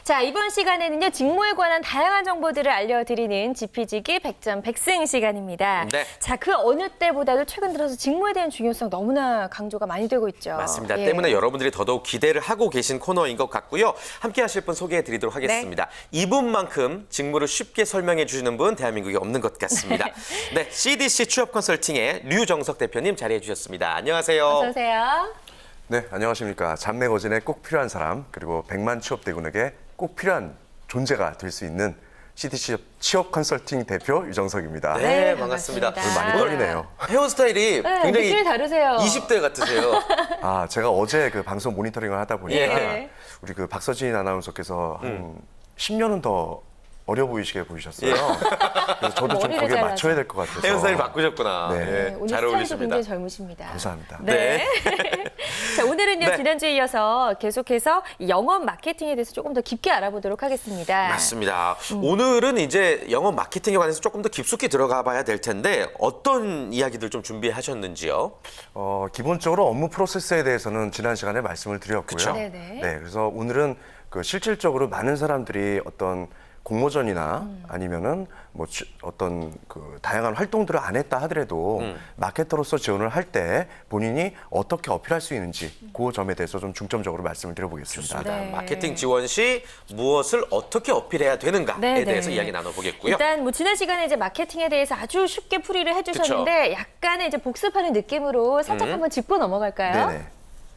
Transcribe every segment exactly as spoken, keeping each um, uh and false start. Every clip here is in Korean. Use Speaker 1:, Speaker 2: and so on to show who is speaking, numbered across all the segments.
Speaker 1: 자, 이번 시간에는요, 직무에 관한 다양한 정보들을 알려드리는 지피지기 백 점 백승 시간입니다.
Speaker 2: 네.
Speaker 1: 자, 그 어느 때보다도 최근 들어서 직무에 대한 중요성 너무나 강조가 많이 되고 있죠.
Speaker 2: 맞습니다.
Speaker 1: 예.
Speaker 2: 때문에 여러분들이 더더욱 기대를 하고 계신 코너인 것 같고요. 함께 하실 분 소개해 드리도록 하겠습니다. 네. 이분만큼 직무를 쉽게 설명해 주시는 분 대한민국에 없는 것 같습니다. 네, 씨디씨 취업 컨설팅의 류정석 대표님 자리해 주셨습니다. 안녕하세요.
Speaker 1: 어서 오세요.
Speaker 3: 네, 안녕하십니까. 잡내거진에 꼭 필요한 사람, 그리고 백만 취업대군에게 꼭 필요한 존재가 될 수 있는 씨디씨 취업 컨설팅 대표 유정석입니다.
Speaker 2: 네,
Speaker 1: 네,
Speaker 2: 반갑습니다.
Speaker 1: 반갑습니다.
Speaker 3: 많이 떨리네요.
Speaker 2: 헤어스타일이
Speaker 1: 네,
Speaker 2: 굉장히
Speaker 1: 느낌이 다르세요.
Speaker 2: 이십 대 같으세요.
Speaker 3: 아, 제가 어제 그 방송 모니터링을 하다 보니까
Speaker 1: 예.
Speaker 3: 우리 그 박서진 아나운서께서 한 십 년은 더 어려 보이시게 보이셨어요. 그래서 저도 좀
Speaker 1: 머리를
Speaker 3: 거기에
Speaker 1: 잘라서.
Speaker 3: 맞춰야 될 것 같아서.
Speaker 2: 헤어스타일 바꾸셨구나.
Speaker 3: 네.
Speaker 2: 네,
Speaker 1: 네, 오늘
Speaker 2: 잘
Speaker 1: 스타일도
Speaker 2: 어울리십니다.
Speaker 1: 굉장히 젊으십니다.
Speaker 3: 감사합니다.
Speaker 1: 네. 자, 오늘은요,
Speaker 2: 네.
Speaker 1: 지난주에 이어서 계속해서 이 영업 마케팅에 대해서 조금 더 깊게 알아보도록 하겠습니다.
Speaker 2: 맞습니다. 오늘은 이제 영업 마케팅에 관해서 조금 더 깊숙이 들어가 봐야 될 텐데 어떤 이야기들 좀 준비하셨는지요?
Speaker 3: 어, 기본적으로 업무 프로세스에 대해서는 지난 시간에 말씀을 드렸고요.
Speaker 2: 그쵸.
Speaker 1: 네네.
Speaker 3: 네, 그래서 오늘은 그 실질적으로 많은 사람들이 어떤 공모전이나 음. 아니면은 뭐 주, 어떤 그 다양한 활동들을 안 했다 하더라도
Speaker 2: 음.
Speaker 3: 마케터로서 지원을 할 때 본인이 어떻게 어필할 수 있는지 그 점에 대해서 좀 중점적으로 말씀을 드려보겠습니다.
Speaker 1: 네.
Speaker 2: 마케팅 지원 시 무엇을 어떻게 어필해야 되는가에
Speaker 1: 네,
Speaker 2: 대해서
Speaker 1: 네.
Speaker 2: 이야기 나눠보겠고요.
Speaker 1: 일단 뭐 지난 시간에 이제 마케팅에 대해서 아주 쉽게 풀이를 해주셨는데 약간의 이제 복습하는 느낌으로 살짝
Speaker 2: 음.
Speaker 1: 한번 짚고 넘어갈까요?
Speaker 3: 네네.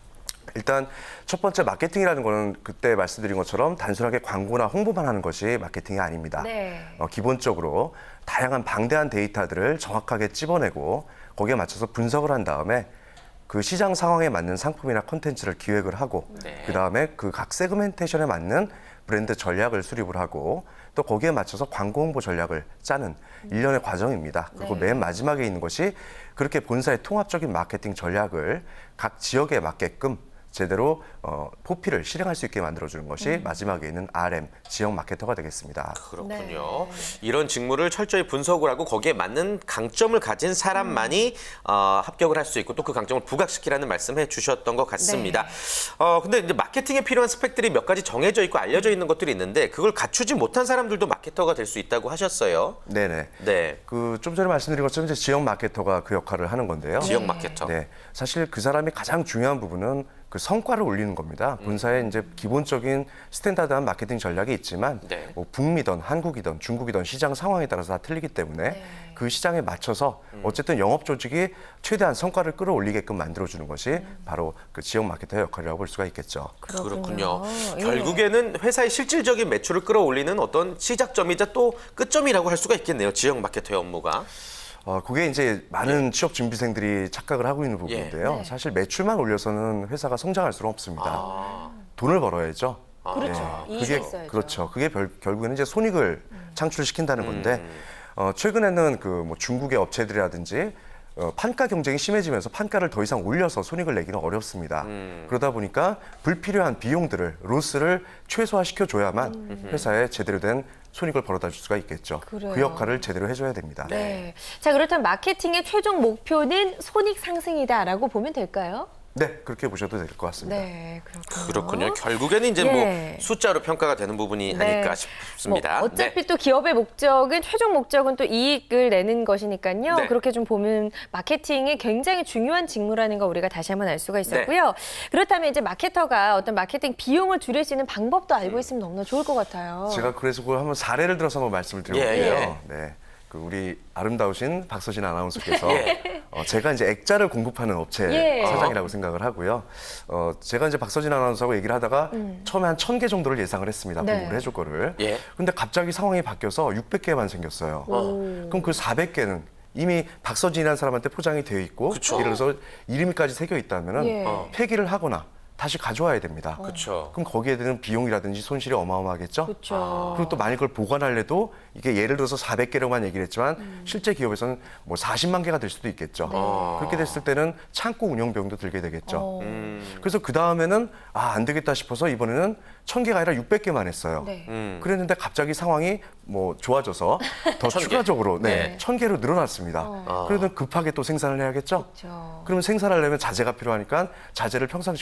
Speaker 3: 일단 첫 번째 마케팅이라는 거는 그때 말씀드린 것처럼 단순하게 광고나 홍보만 하는 것이 마케팅이 아닙니다.
Speaker 1: 네.
Speaker 3: 어, 기본적으로 다양한 방대한 데이터들을 정확하게 찝어내고 거기에 맞춰서 분석을 한 다음에 그 시장 상황에 맞는 상품이나 콘텐츠를 기획을 하고
Speaker 2: 네.
Speaker 3: 그다음에 그 각 세그멘테이션에 맞는 브랜드 전략을 수립을 하고 또 거기에 맞춰서 광고 홍보 전략을 짜는 일련의 과정입니다. 그리고
Speaker 1: 네.
Speaker 3: 맨 마지막에 있는 것이 그렇게 본사의 통합적인 마케팅 전략을 각 지역에 맞게끔 제대로 어, 포피를 실행할 수 있게 만들어주는 것이
Speaker 1: 음.
Speaker 3: 마지막에 있는 알엠, 지역 마케터가 되겠습니다.
Speaker 2: 그렇군요.
Speaker 1: 네.
Speaker 2: 이런 직무를 철저히 분석을 하고 거기에 맞는 강점을 가진 사람만이 어, 합격을 할 수 있고 또 그 강점을 부각시키라는 말씀해 주셨던 것 같습니다.
Speaker 1: 네.
Speaker 2: 어, 근데 이제 마케팅에 필요한 스펙들이 몇 가지 정해져 있고 알려져 있는 것들이 있는데 그걸 갖추지 못한 사람들도 마케터가 될 수 있다고 하셨어요.
Speaker 3: 네네.
Speaker 2: 네.
Speaker 3: 그 좀 전에 말씀드린 것처럼 이제 지역 마케터가 그 역할을 하는 건데요.
Speaker 2: 지역
Speaker 1: 네.
Speaker 2: 마케터.
Speaker 3: 네, 사실 그 사람이 가장 중요한 부분은 그 성과를 올리는 겁니다. 본사에 이제 기본적인 스탠다드한 마케팅 전략이 있지만
Speaker 2: 네.
Speaker 3: 뭐 북미든 한국이든 중국이든 시장 상황에 따라서 다 틀리기 때문에
Speaker 1: 네.
Speaker 3: 그 시장에 맞춰서 어쨌든 영업 조직이 최대한 성과를 끌어올리게끔 만들어주는 것이 바로 그 지역 마케터의 역할이라고 볼 수가 있겠죠.
Speaker 2: 그렇군요.
Speaker 1: 예.
Speaker 2: 결국에는 회사의 실질적인 매출을 끌어올리는 어떤 시작점이자 또 끝점이라고 할 수가 있겠네요. 지역 마케터의 업무가.
Speaker 3: 어, 그게 이제 많은 취업 준비생들이 착각을 하고 있는 부분인데요.
Speaker 1: 네.
Speaker 3: 사실 매출만 올려서는 회사가 성장할 수는 없습니다.
Speaker 2: 아.
Speaker 3: 돈을 벌어야죠.
Speaker 1: 그렇죠.
Speaker 3: 네,
Speaker 1: 이익이
Speaker 3: 그게
Speaker 1: 있어야죠.
Speaker 3: 그렇죠. 그게 별, 결국에는 이제 손익을 창출시킨다는 건데
Speaker 2: 음.
Speaker 3: 어, 최근에는 그 뭐 중국의 업체들이라든지 어, 판가 경쟁이 심해지면서 판가를 더 이상 올려서 손익을 내기는 어렵습니다.
Speaker 2: 음.
Speaker 3: 그러다 보니까 불필요한 비용들을 로스를 최소화시켜 줘야만
Speaker 1: 음.
Speaker 3: 회사에 제대로 된 손익을 벌어다 줄 수가 있겠죠.
Speaker 1: 그래요.
Speaker 3: 그 역할을 제대로 해줘야 됩니다.
Speaker 1: 네. 자, 그렇다면 마케팅의 최종 목표는 손익 상승이다라고 보면 될까요?
Speaker 3: 네, 그렇게 보셔도 될 것 같습니다.
Speaker 1: 네, 그렇군요.
Speaker 2: 그렇군요. 결국에는 이제
Speaker 1: 예.
Speaker 2: 뭐 숫자로 평가가 되는 부분이
Speaker 1: 네.
Speaker 2: 아닐까 싶습니다.
Speaker 1: 뭐 어차피
Speaker 2: 네.
Speaker 1: 또 기업의 목적은 최종 목적은 또 이익을 내는 것이니까요.
Speaker 2: 네.
Speaker 1: 그렇게 좀 보면 마케팅이 굉장히 중요한 직무라는 거 우리가 다시 한번 알 수가 있었고요.
Speaker 2: 네.
Speaker 1: 그렇다면 이제 마케터가 어떤 마케팅 비용을 줄일 수 있는 방법도 알고
Speaker 2: 음.
Speaker 1: 있으면 너무나 좋을 것 같아요.
Speaker 3: 제가 그래서 그걸 한번 사례를 들어서 한번 말씀을
Speaker 2: 예,
Speaker 3: 드려볼게요. 네. 그 우리 아름다우신 박서진 아나운서께서
Speaker 2: 예.
Speaker 3: 어, 제가 이제 액자를 공급하는 업체
Speaker 1: 예.
Speaker 3: 사장이라고 생각을 하고요. 어, 제가 이제 박서진 아나운서하고 얘기를 하다가 처음에 한 천 개 정도를 예상을 했습니다.
Speaker 1: 음. 네.
Speaker 3: 공급을 해줄 거를.
Speaker 2: 예.
Speaker 3: 근데 갑자기 상황이 바뀌어서 육백 개만 생겼어요. 그럼 그 사백 개는 이미 박서진이라는 사람한테 포장이 되어 있고
Speaker 2: 그쵸.
Speaker 3: 예를 들어서 이름까지 새겨 있다면은
Speaker 1: 예.
Speaker 2: 어.
Speaker 3: 폐기를 하거나 다시 가져와야 됩니다.
Speaker 2: 그렇죠.
Speaker 3: 그럼 거기에 드는 비용이라든지 손실이 어마어마하겠죠.
Speaker 1: 그렇죠.
Speaker 3: 그리고 또 만약 그걸 보관하려도 이게 예를 들어서 사백 개로만 얘기를 했지만 실제 기업에서는 뭐 사십만 개가 될 수도 있겠죠. 그렇게 됐을 때는 창고 운영 비용도 들게 되겠죠.
Speaker 1: 어.
Speaker 2: 음.
Speaker 3: 그래서 그 다음에는 아, 안 되겠다 싶어서 이번에는 천 개가 아니라 육백 개만 했어요.
Speaker 1: 네.
Speaker 2: 음.
Speaker 3: 그랬는데 갑자기 상황이 뭐 좋아져서 더
Speaker 2: 천 개.
Speaker 3: 추가적으로 네,
Speaker 2: 네.
Speaker 3: 천 개로 늘어났습니다.
Speaker 1: 어.
Speaker 3: 그래도 급하게 또 생산을 해야겠죠.
Speaker 1: 그렇죠.
Speaker 3: 그러면 생산하려면 자재가 필요하니까 자재를 평상시보다 비싸게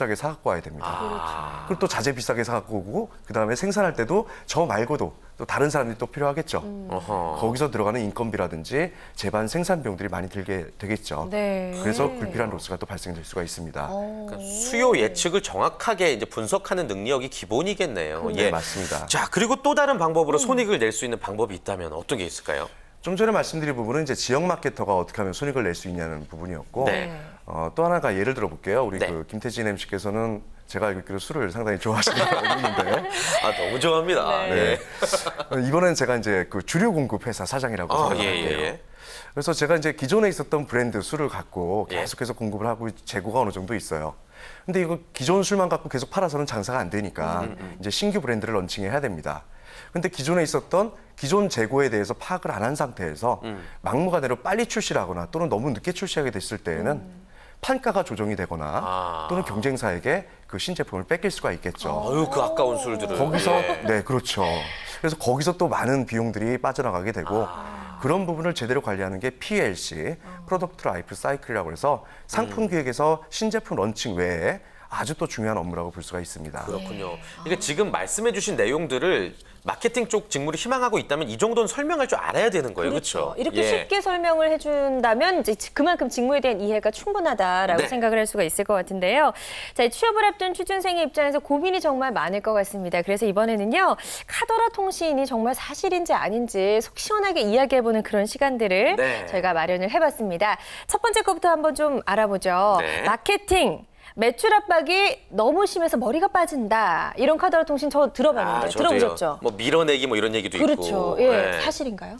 Speaker 3: 비싸게 사갖고 와야 됩니다.
Speaker 2: 아.
Speaker 3: 그리고 또 자재 비싸게 사갖고 오고 그다음에 생산할 때도 저 말고도 또 다른 사람들이 또 필요하겠죠.
Speaker 2: 어허.
Speaker 3: 거기서 들어가는 인건비라든지 제반 생산 비용들이 많이 들게 되겠죠.
Speaker 1: 네.
Speaker 3: 그래서 불필요한 로스가 또 발생될 수가 있습니다.
Speaker 1: 어.
Speaker 2: 그러니까 수요 예측을 정확하게 이제 분석하는 능력이 기본이겠네요.
Speaker 3: 네, 맞습니다.
Speaker 2: 자, 그리고 또 다른 방법으로 손익을 낼 수 있는 방법이 있다면 어떤 게 있을까요?
Speaker 3: 좀 전에 말씀드린 부분은 이제 지역 마케터가 어떻게 하면 손익을 낼 수 있냐는 부분이었고
Speaker 2: 네.
Speaker 3: 어, 또 하나가 예를 들어 볼게요. 우리
Speaker 2: 네.
Speaker 3: 그 김태진 엠씨께서는 제가 알기로 술을 상당히 좋아하시는 걸로 알고 있는데
Speaker 2: 아, 너무 좋아합니다.
Speaker 1: 네.
Speaker 2: 네.
Speaker 3: 어, 이번엔 제가 이제 그 주류 공급 회사 사장이라고
Speaker 2: 아,
Speaker 3: 생각할게요.
Speaker 2: 예, 예, 예.
Speaker 3: 그래서 제가 이제 기존에 있었던 브랜드 술을 갖고
Speaker 2: 예.
Speaker 3: 계속해서 공급을 하고 재고가 어느 정도 있어요. 근데 이거 기존 술만 갖고 계속 팔아서는 장사가 안 되니까
Speaker 2: 음,
Speaker 3: 이제 신규 브랜드를 런칭해야 됩니다. 근데 기존에 있었던 기존 재고에 대해서 파악을 안 한 상태에서
Speaker 2: 음.
Speaker 3: 막무가내로 빨리 출시를 하거나 또는 너무 늦게 출시하게 됐을 때에는
Speaker 1: 음.
Speaker 3: 판가가 조정이 되거나
Speaker 2: 아.
Speaker 3: 또는 경쟁사에게 그 신제품을 뺏길 수가 있겠죠.
Speaker 2: 어휴, 그 아까운 술들을.
Speaker 3: 거기서
Speaker 2: 예.
Speaker 3: 네 그렇죠. 그래서 거기서 또 많은 비용들이 빠져나가게 되고
Speaker 2: 아.
Speaker 3: 그런 부분을 제대로 관리하는 게 피엘씨 프로덕트 라이프 사이클이라고 해서 상품 기획에서 신제품 런칭 외에 아주 또 중요한 업무라고 볼 수가 있습니다.
Speaker 2: 그렇군요. 그러니까 지금 말씀해주신 내용들을 마케팅 쪽 직무를 희망하고 있다면 이 정도는 설명할 줄 알아야 되는 거예요, 그렇죠?
Speaker 1: 이렇게
Speaker 2: 예.
Speaker 1: 쉽게 설명을 해준다면 이제 그만큼 직무에 대한 이해가 충분하다라고
Speaker 2: 네.
Speaker 1: 생각을 할 수가 있을 것 같은데요. 자, 이 취업을 앞둔 취준생의 입장에서 고민이 정말 많을 것 같습니다. 그래서 이번에는요, 카더라 통신이 정말 사실인지 아닌지 속 시원하게 이야기해보는 그런 시간들을
Speaker 2: 네.
Speaker 1: 저희가 마련을 해봤습니다. 첫 번째 것부터 한번 좀 알아보죠.
Speaker 2: 네.
Speaker 1: 마케팅. 매출 압박이 너무 심해서 머리가 빠진다. 이런 카더라 통신 저 들어봤는데
Speaker 2: 아, 저도요.
Speaker 1: 들어보셨죠?
Speaker 2: 뭐 밀어내기 뭐 이런 얘기도
Speaker 1: 그렇죠.
Speaker 2: 있고.
Speaker 1: 예,
Speaker 2: 네.
Speaker 1: 사실인가요?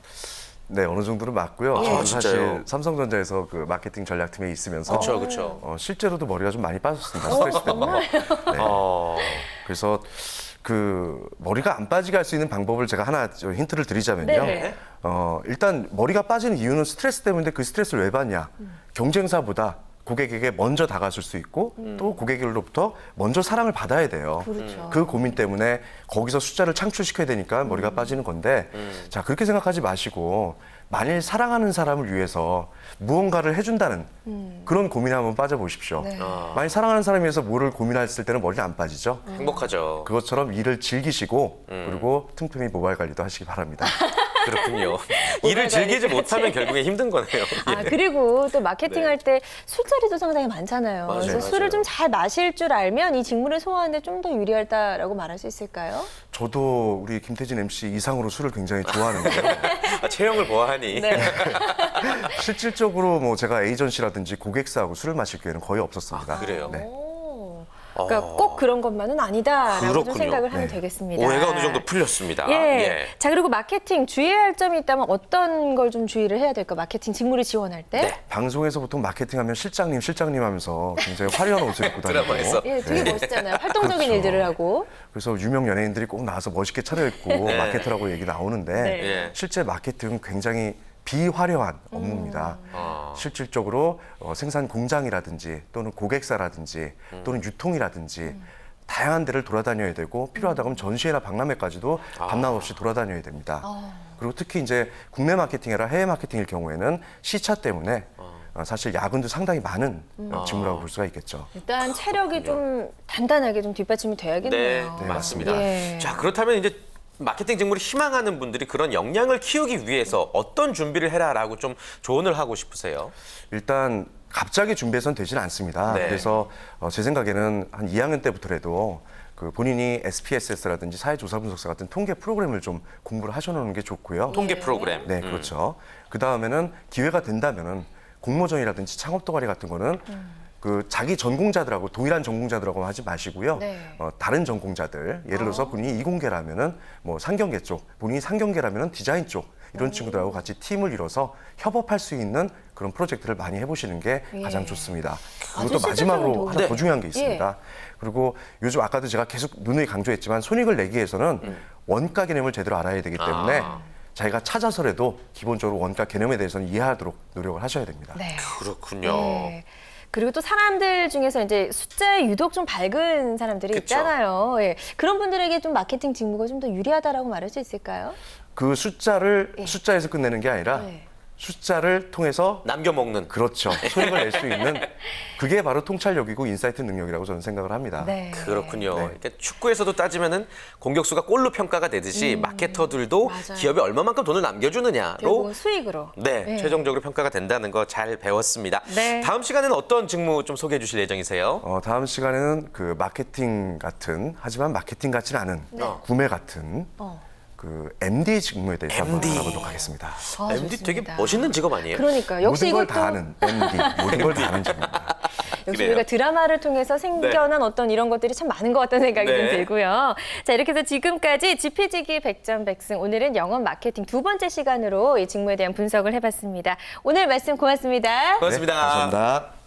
Speaker 3: 네 어느 정도는 맞고요.
Speaker 2: 아,
Speaker 3: 저는
Speaker 2: 진짜요?
Speaker 3: 사실 삼성전자에서 그 마케팅 전략팀에 있으면서
Speaker 2: 그렇죠, 그렇죠.
Speaker 3: 어, 실제로도 머리가 좀 많이 빠졌습니다. 스트레스 때문에. 네.
Speaker 2: 어.
Speaker 3: 그래서 그 머리가 안 빠지게 할 수 있는 방법을 제가 하나 좀 힌트를 드리자면요.
Speaker 1: 네.
Speaker 3: 어, 일단 머리가 빠지는 이유는 스트레스 때문인데 그 스트레스를 왜 받냐? 경쟁사보다 고객에게 먼저 다가설 수 있고 또 고객으로부터 먼저 사랑을 받아야 돼요.
Speaker 1: 그렇죠.
Speaker 3: 그 고민 때문에 거기서 숫자를 창출시켜야 되니까 머리가 빠지는 건데 자 그렇게 생각하지 마시고 만일 사랑하는 사람을 위해서 무언가를 해준다는 그런 고민에 한번 빠져보십시오.
Speaker 1: 네.
Speaker 2: 아.
Speaker 3: 만일 사랑하는 사람을 위해서 뭐를 고민했을 때는 머리가 안 빠지죠.
Speaker 2: 행복하죠.
Speaker 3: 그것처럼 일을 즐기시고 그리고 틈틈이 모바일 관리도 하시기 바랍니다.
Speaker 2: 그렇군요. 일을 즐기지 못하면 결국에 힘든 거네요.
Speaker 1: 아,
Speaker 2: 예.
Speaker 1: 그리고 또 마케팅할 때 술자리도 상당히 많잖아요.
Speaker 2: 맞아요,
Speaker 1: 그래서
Speaker 2: 맞아요.
Speaker 1: 술을 좀 잘 마실 줄 알면 이 직무를 소화하는데 좀 더 유리하다라고 말할 수 있을까요?
Speaker 3: 저도 우리 김태진 엠씨 이상으로 술을 굉장히 좋아하는데요.
Speaker 2: 아, 체형을 보아하니.
Speaker 1: 네.
Speaker 3: 실질적으로 뭐 제가 에이전시라든지 고객사하고 술을 마실 기회는 거의 없었습니다.
Speaker 2: 아, 그래요?
Speaker 3: 네.
Speaker 1: 오. 그러니까
Speaker 2: 어.
Speaker 1: 꼭 그런 것만은 아니다라고 좀
Speaker 2: 그렇군요.
Speaker 1: 생각을 하면
Speaker 3: 네.
Speaker 1: 되겠습니다.
Speaker 2: 오해가 어느 정도 풀렸습니다.
Speaker 1: 예. 자, 그리고 마케팅 주의해야 할 점이 있다면 어떤 걸 좀 주의를 해야 될까? 마케팅 직무를 지원할 때?
Speaker 2: 네.
Speaker 3: 방송에서 보통 마케팅하면 실장님, 실장님 하면서 굉장히 화려한 옷을 입고 다니고
Speaker 2: 드라마에서.
Speaker 1: 예, 되게
Speaker 3: 네.
Speaker 1: 멋있잖아요. 활동적인
Speaker 3: 그렇죠.
Speaker 1: 일들을 하고.
Speaker 3: 그래서 유명 연예인들이 꼭 나와서 멋있게 차려입고
Speaker 2: 네.
Speaker 3: 마케터라고 얘기 나오는데
Speaker 1: 네.
Speaker 2: 예.
Speaker 3: 실제 마케팅은 굉장히 비화려한 업무입니다.
Speaker 2: 아.
Speaker 3: 실질적으로 어, 생산 공장이라든지 또는 고객사라든지 또는 유통이라든지 다양한 데를 돌아다녀야 되고 필요하다 그러면 전시회나 박람회까지도 밤낮 없이 돌아다녀야 됩니다. 그리고 특히 이제 국내 마케팅이라 해외 마케팅일 경우에는 시차 때문에 어, 사실 야근도 상당히 많은 어, 직무라고 볼 수가 있겠죠.
Speaker 1: 일단 체력이 좀 단단하게 좀 뒷받침이
Speaker 2: 네,
Speaker 1: 돼야겠네요.
Speaker 3: 네,
Speaker 2: 맞습니다.
Speaker 1: 예.
Speaker 2: 자, 그렇다면 이제 마케팅 직무를 희망하는 분들이 그런 역량을 키우기 위해서 어떤 준비를 해라라고 좀 조언을 하고 싶으세요?
Speaker 3: 일단 갑자기 준비해서는 되지는 않습니다.
Speaker 2: 네.
Speaker 3: 그래서 어, 제 생각에는 한 이 학년 때부터라도 그 본인이 에스피에스에스라든지 사회조사분석사 같은 통계 프로그램을 좀 공부를 하셔놓는 게 좋고요.
Speaker 2: 통계 프로그램.
Speaker 3: 네, 그렇죠. 그 다음에는 기회가 된다면은 공모전이라든지 창업 동아리 같은 거는 그 자기 전공자들하고 동일한 전공자들하고 하지 마시고요.
Speaker 1: 네.
Speaker 3: 어, 다른 전공자들, 예를 들어서 본인이 이공계라면은 뭐 상경계 쪽, 본인이 상경계라면은 디자인 쪽 이런 친구들하고 같이 팀을 이뤄서 협업할 수 있는 그런 프로젝트를 많이 해보시는 게
Speaker 1: 예.
Speaker 3: 가장 좋습니다. 그리고
Speaker 1: 아주
Speaker 3: 또 마지막으로
Speaker 1: 실질적인
Speaker 3: 하나
Speaker 2: 도움.
Speaker 3: 더 중요한 게
Speaker 1: 예.
Speaker 3: 있습니다. 그리고 요즘 아까도 제가 계속 누누이 강조했지만 손익을 내기 위해서는 원가 개념을 제대로 알아야 되기 때문에
Speaker 2: 아.
Speaker 3: 자기가 찾아서라도 기본적으로 원가 개념에 대해서는 이해하도록 노력을 하셔야 됩니다.
Speaker 1: 네.
Speaker 2: 그렇군요.
Speaker 1: 네. 그리고 또 사람들 중에서 이제 숫자에 유독 좀 밝은 사람들이
Speaker 2: 그쵸.
Speaker 1: 있잖아요. 예. 그런 분들에게 좀 마케팅 직무가 좀 더 유리하다라고 말할 수 있을까요?
Speaker 3: 그 숫자를
Speaker 1: 예.
Speaker 3: 숫자에서 끝내는 게 아니라
Speaker 1: 네.
Speaker 3: 숫자를 통해서
Speaker 2: 남겨 먹는.
Speaker 3: 그렇죠. 수익을 낼 수 있는 그게 바로 통찰력이고 인사이트 능력이라고 저는 생각을 합니다.
Speaker 1: 네.
Speaker 2: 그렇군요.
Speaker 3: 네.
Speaker 2: 그러니까 축구에서도 따지면은 공격수가 골로 평가가 되듯이 마케터들도
Speaker 1: 맞아요.
Speaker 2: 기업이 얼마만큼 돈을 남겨주느냐로
Speaker 1: 결국은 수익으로.
Speaker 2: 네,
Speaker 1: 네.
Speaker 2: 최종적으로 평가가 된다는 거 잘 배웠습니다.
Speaker 1: 네.
Speaker 2: 다음 시간에는 어떤 직무 좀 소개해 주실 예정이세요?
Speaker 3: 어, 다음 시간에는 그 마케팅 같은 하지만 마케팅 같지는 않은 구매 같은
Speaker 1: 어.
Speaker 3: 그 엠디 직무에 대해서
Speaker 2: 엠디.
Speaker 3: 한번 알아보도록 하겠습니다.
Speaker 1: 아,
Speaker 2: 엠디 되게
Speaker 1: 좋습니다.
Speaker 2: 멋있는 직업 아니에요?
Speaker 1: 그러니까 역시
Speaker 3: 모든 걸
Speaker 1: 이것도
Speaker 3: 다 아는 엠디, 모든 걸 다 아는 직무입니다.
Speaker 1: 역시
Speaker 2: 그래요.
Speaker 1: 우리가 드라마를 통해서 생겨난 어떤 이런 것들이 참 많은 것 같다는 생각이 좀
Speaker 2: 네.
Speaker 1: 들고요. 자, 이렇게 해서 지금까지 지피지기 백전백승, 오늘은 영업 마케팅 두 번째 시간으로 이 직무에 대한 분석을 해봤습니다. 오늘 말씀 고맙습니다.
Speaker 2: 고맙습니다.
Speaker 3: 네, 감사합니다.